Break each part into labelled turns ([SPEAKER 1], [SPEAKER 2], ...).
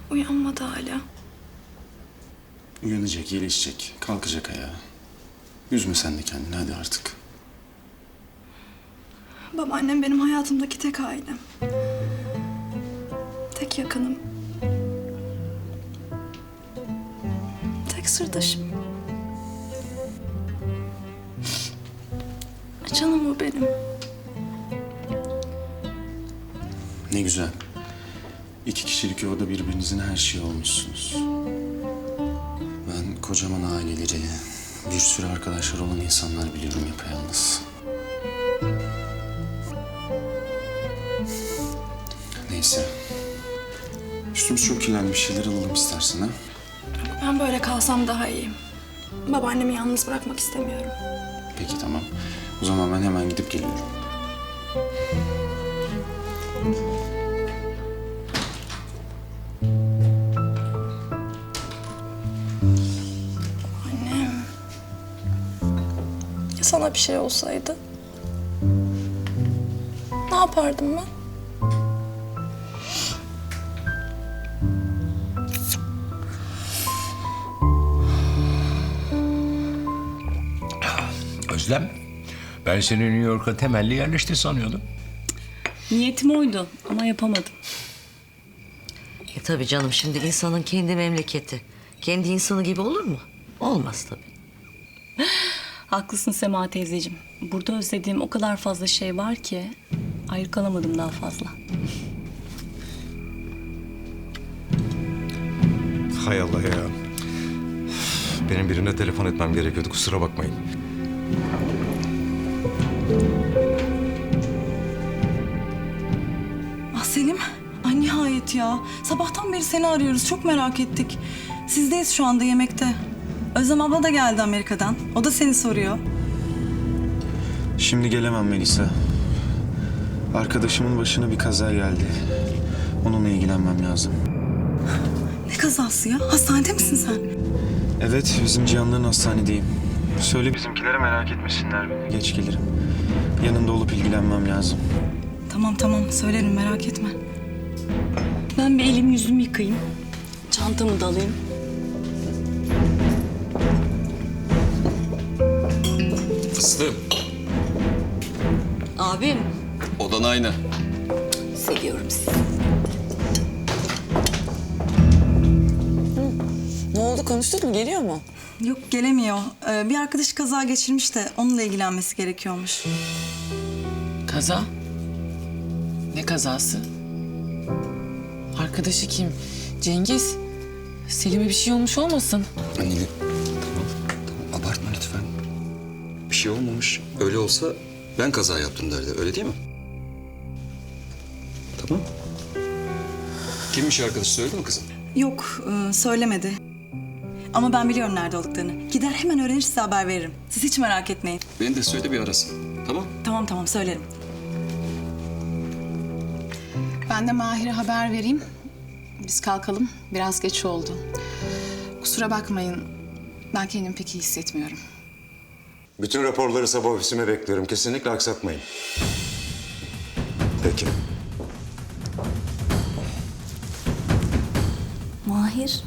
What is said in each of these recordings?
[SPEAKER 1] Uyanmadı hala.
[SPEAKER 2] Uyanacak, iyileşecek, kalkacak ayağa. Üzme sen de kendini hadi artık.
[SPEAKER 1] Babaannem benim hayatımdaki tek ailem. Tek yakınım. Tek sırdaşım. Canım o benim.
[SPEAKER 2] Ne güzel. 2 kişilik yuvada birbirinizin her şeyi olmuşsunuz. Ben kocaman aileleri, bir sürü arkadaşlar olan insanlar biliyorum yapayalnız. Neyse. Üstümüz çok kirlendi, bir şeyler alalım istersen ha.
[SPEAKER 1] Ben böyle kalsam daha iyi. Babaannemi yalnız bırakmak istemiyorum.
[SPEAKER 2] Peki tamam. O zaman ben hemen gidip geliyorum.
[SPEAKER 1] Annem. Ya sana bir şey olsaydı? Ne yapardım ben?
[SPEAKER 3] Özlem, ben seni New York'a temelli yerleşti sanıyordum.
[SPEAKER 4] Niyetim oydu ama yapamadım.
[SPEAKER 5] Tabii canım, şimdi insanın kendi memleketi. Kendi insanı gibi olur mu? Olmaz tabii.
[SPEAKER 4] Haklısın Sema teyzeciğim. Burada özlediğim o kadar fazla şey var ki ayrı kalamadım daha fazla.
[SPEAKER 6] Hay Allah ya. Benim birine telefon etmem gerekiyordu, kusura bakmayın.
[SPEAKER 7] Ah Selim, ay nihayet ya. Sabahtan beri seni arıyoruz, çok merak ettik. Sizdeyiz şu anda yemekte. Özlem abla da geldi Amerika'dan. O da seni soruyor.
[SPEAKER 2] Şimdi gelemem Melisa. Arkadaşımın başına bir kaza geldi. Onunla ilgilenmem lazım.
[SPEAKER 7] Ne kazası ya? Hastanede misin sen?
[SPEAKER 2] Evet, bizim Cihanların hastanedeyim. Söyle bizimkilere merak etmesinler beni. Geç gelirim. Yanında olup ilgilenmem lazım.
[SPEAKER 7] Tamam, söylerim, merak etme.
[SPEAKER 4] Ben bir elimi yüzümü yıkayayım. Çantamı da alayım.
[SPEAKER 8] Fıstığım,
[SPEAKER 5] Abim,
[SPEAKER 8] odan aynı.
[SPEAKER 5] seviyorum sizi.
[SPEAKER 9] Ne oldu, konuştuk mu? Geliyor mu?
[SPEAKER 7] Yok, gelemiyor. Bir arkadaş kaza geçirmiş de onunla ilgilenmesi gerekiyormuş.
[SPEAKER 9] Kaza? Ne kazası? Arkadaşı kim? Cengiz. Selim'e bir şey olmuş olmasın?
[SPEAKER 8] Anne, tamam abartma lütfen. Bir şey olmamış. Öyle olsa ben kaza yaptım derdi, öyle değil mi? Tamam. Kimmiş arkadaş, söyledi mi kızım?
[SPEAKER 7] Yok, söylemedi. Ama ben biliyorum nerede olduklarını. Gider hemen öğrenir, size haber veririm. Siz hiç merak etmeyin.
[SPEAKER 8] Beni de söyle bir arasın, tamam?
[SPEAKER 7] Tamam, söylerim.
[SPEAKER 10] Ben de Mahir'e haber vereyim. Biz kalkalım. Biraz geç oldu. Kusura bakmayın. Ben kendimi pek iyi hissetmiyorum.
[SPEAKER 6] Bütün raporları sabah ofisime bekliyorum. Kesinlikle aksatmayın. Peki.
[SPEAKER 5] Mahir.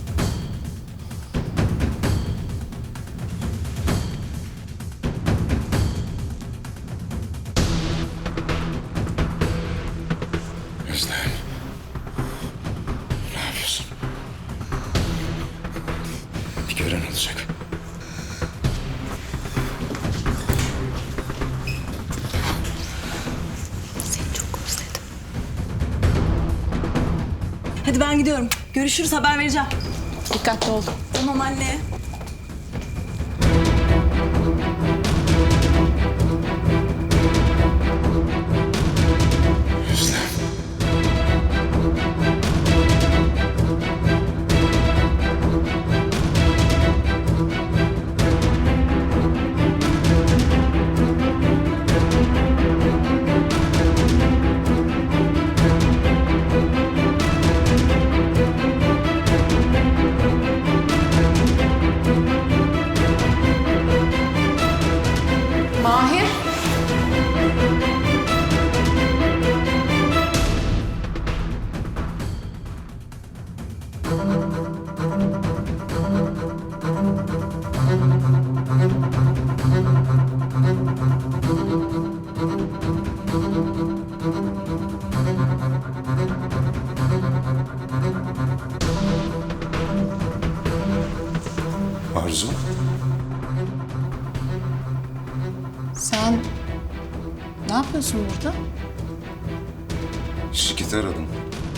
[SPEAKER 6] Özlem. Ne yapıyorsun? Bir gören olacak.
[SPEAKER 5] Seni çok özledim.
[SPEAKER 7] Hadi ben gidiyorum. Görüşürüz, haber vereceğim.
[SPEAKER 10] Dikkatli ol.
[SPEAKER 7] Tamam anne.
[SPEAKER 6] Özlem. Arzu.
[SPEAKER 10] Sen ne yapıyorsun burada?
[SPEAKER 6] Şirketi aradım.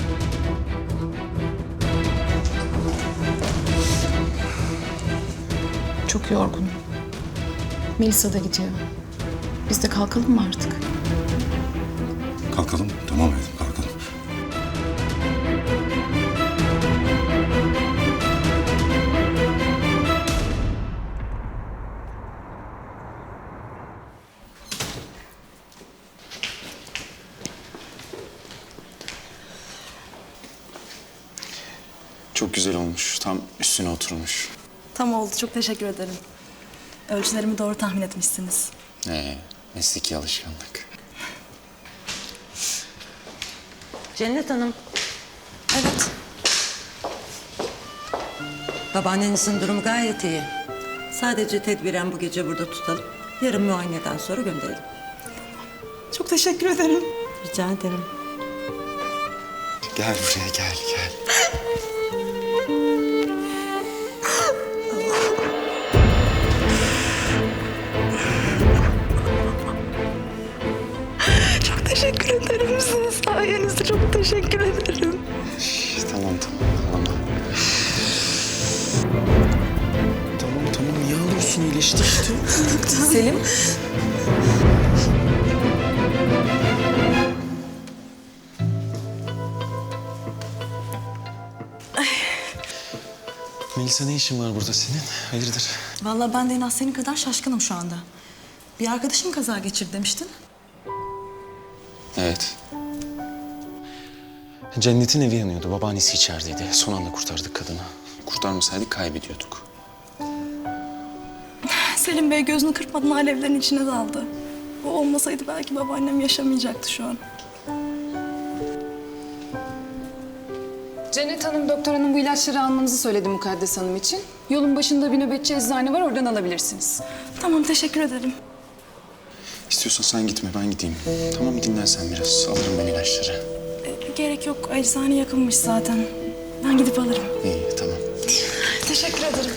[SPEAKER 10] Çok yorgunum. Melisa da gidiyor. Biz de kalkalım mı artık?
[SPEAKER 6] Kalkalım. Tamam hayatım, kalkalım.
[SPEAKER 2] Çok güzel olmuş. Tam üstüne oturmuş.
[SPEAKER 4] Tam oldu. Çok teşekkür ederim. Ölçülerimi doğru tahmin etmişsiniz.
[SPEAKER 2] Mesleki alışkanlık.
[SPEAKER 5] Cennet Hanım. Evet. Babaannenizin durumu gayet iyi. Sadece tedbiren bu gece burada tutalım. Yarın muayeneden sonra gönderelim.
[SPEAKER 4] Çok teşekkür ederim.
[SPEAKER 5] Rica ederim.
[SPEAKER 2] Gel buraya, gel.
[SPEAKER 4] Çok teşekkür ederim. Sizin sayenizde çok teşekkür ederim.
[SPEAKER 2] Tamam. Tamam. Niye ağlıyorsun? İyileşti işte.
[SPEAKER 4] Selim.
[SPEAKER 2] Melisa, ne işin var burada senin? Hayırdır?
[SPEAKER 7] Vallahi ben de en az senin kadar şaşkınım şu anda. Bir arkadaşım kaza geçirdi demiştin.
[SPEAKER 2] Evet. Cennet'in evi yanıyordu. Babaannesi içerideydi. Son anda kurtardık kadını. Kurtarmasaydık kaybediyorduk.
[SPEAKER 4] Selim Bey gözünü kırpmadan alevlerin içine daldı. O olmasaydı belki babaannem yaşamayacaktı şu an.
[SPEAKER 10] Cennet Hanım doktor hanım bu ilaçları almanızı söyledi Mukaddes Hanım için. Yolun başında bir nöbetçi eczane var, oradan alabilirsiniz.
[SPEAKER 4] Tamam, teşekkür ederim.
[SPEAKER 2] İstiyorsan sen gitme, ben gideyim. Tamam mı? Dinlen sen biraz. Alırım ben ilaçları.
[SPEAKER 4] Gerek yok. Eczane yakınmış zaten. Ben gidip alırım.
[SPEAKER 2] İyi, tamam.
[SPEAKER 4] Teşekkür ederim.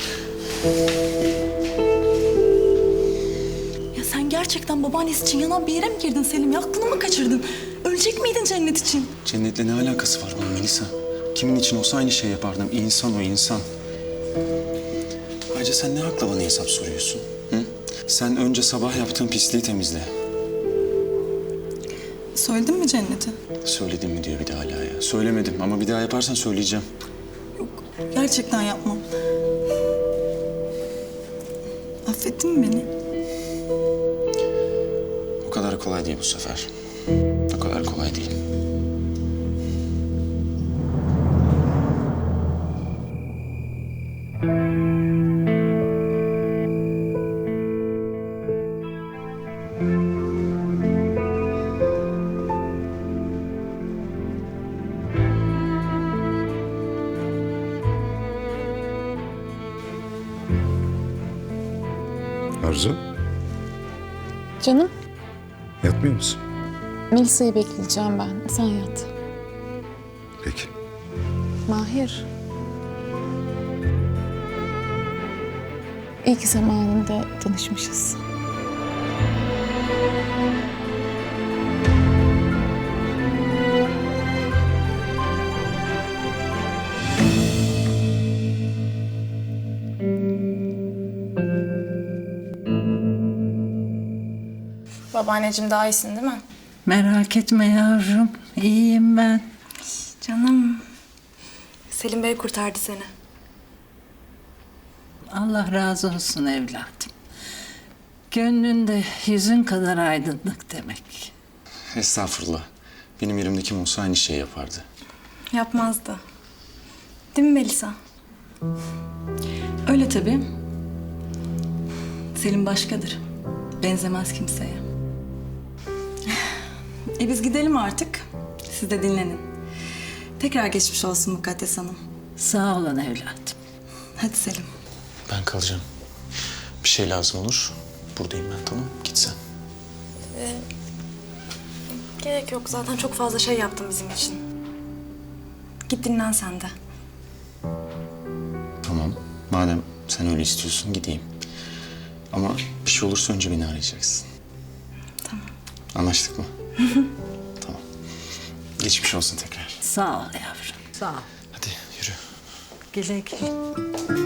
[SPEAKER 7] Ya sen gerçekten babaannesi için yanan bir yere mi girdin Selim? Ya aklını mı kaçırdın? Ölecek miydin Cennet için?
[SPEAKER 2] Cennet'le ne alakası var bunun Melisa? Kimin için olsa aynı şey yapardım. İnsan o insan. Ayrıca sen ne hakla bana hesap soruyorsun? Hı? Sen önce sabah yaptığın pisliği temizle.
[SPEAKER 7] Söyledin mi Cennet'e?
[SPEAKER 2] Söyledim mi diyor bir de hala ya. Söylemedim ama bir daha yaparsan söyleyeceğim.
[SPEAKER 7] Gerçekten yapmam. Affettin mi beni?
[SPEAKER 2] O kadar kolay değil bu sefer. O kadar kolay değil.
[SPEAKER 6] Arzu,
[SPEAKER 10] Canım,
[SPEAKER 6] yatmıyor musun?
[SPEAKER 10] Melisa'yı bekleyeceğim ben. Sen yat.
[SPEAKER 6] Peki.
[SPEAKER 10] Mahir. İyi ki zamanında tanışmışız.
[SPEAKER 1] Babaanneciğim daha iyisin değil mi?
[SPEAKER 11] Merak etme yavrum, iyiyim ben.
[SPEAKER 4] Canım. Selim Bey kurtardı seni.
[SPEAKER 11] Allah razı olsun evladım. Gönlünde yüzün kadar aydınlık demek.
[SPEAKER 2] Estağfurullah. Benim yerimde kim olsa aynı şey yapardı.
[SPEAKER 4] Yapmazdı. Değil mi Melisa?
[SPEAKER 7] Öyle tabii. Selim başkadır. Benzemez kimseye. Biz gidelim artık. Siz de dinlenin. Tekrar geçmiş olsun Mukaddes Hanım.
[SPEAKER 11] Sağ olun evladım.
[SPEAKER 7] Hadi Selim.
[SPEAKER 2] Ben kalacağım. Bir şey lazım olur. Buradayım ben, tamam. Git sen.
[SPEAKER 1] Gerek yok. Zaten çok fazla şey yaptım bizim için. Git dinlen sen de.
[SPEAKER 2] Tamam. Madem sen öyle istiyorsun gideyim. Ama bir şey olursa önce beni arayacaksın.
[SPEAKER 1] Tamam.
[SPEAKER 2] Anlaştık mı? Tamam. Geçmiş olsun tekrar.
[SPEAKER 11] Sağ ol yavrum. Sağ ol.
[SPEAKER 2] Hadi yürü.
[SPEAKER 11] Güle güle.